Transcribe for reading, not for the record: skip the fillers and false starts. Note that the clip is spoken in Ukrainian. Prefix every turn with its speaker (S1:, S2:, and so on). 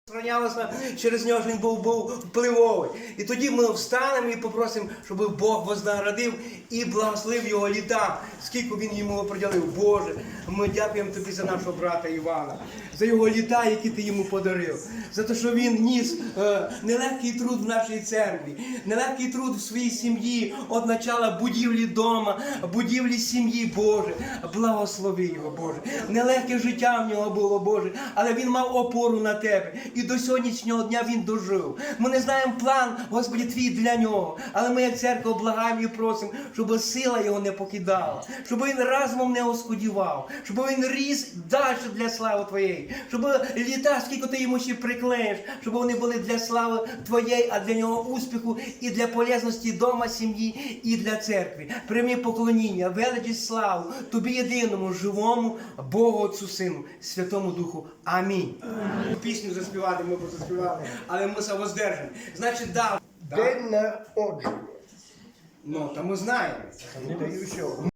S1: Розпространялося через нього, що він був впливовий. І тоді ми встанемо і попросимо, щоб Бог вознаградив і благословив його літа, скільки він йому приділив. Боже, ми дякуємо тобі за нашого брата Івана, за його літа, які ти йому подарив, за те, що він ніс нелегкий труд в нашій церкві, нелегкий труд в своїй сім'ї, від начала будівлі дома, будівлі сім'ї, Боже. Благослови його, Боже. Нелегке життя в нього було, Боже, але він мав опору на тебе. І до сьогоднішнього дня він дожив. Ми не знаємо план, Господи, Твій для нього. Але ми, як церква, благаємо і просимо, щоб сила його не покидала, щоб він разом не оскудівав, щоб він ріс далі для слави Твоєї, щоб літа, скільки ти йому ще приклеїш, щоб вони були для слави Твоєї, а для нього успіху і для полезності дома, сім'ї і для церкви. Прийми поклоніння, величість, славу Тобі єдиному, живому Богу Отцю, Сину, Святому Духу. Амінь. Пісню заспівати ми заспівали, але ми се воздержимо. Значить,
S2: День народження.
S1: Ну, то ми знаємо.
S2: Не даю що.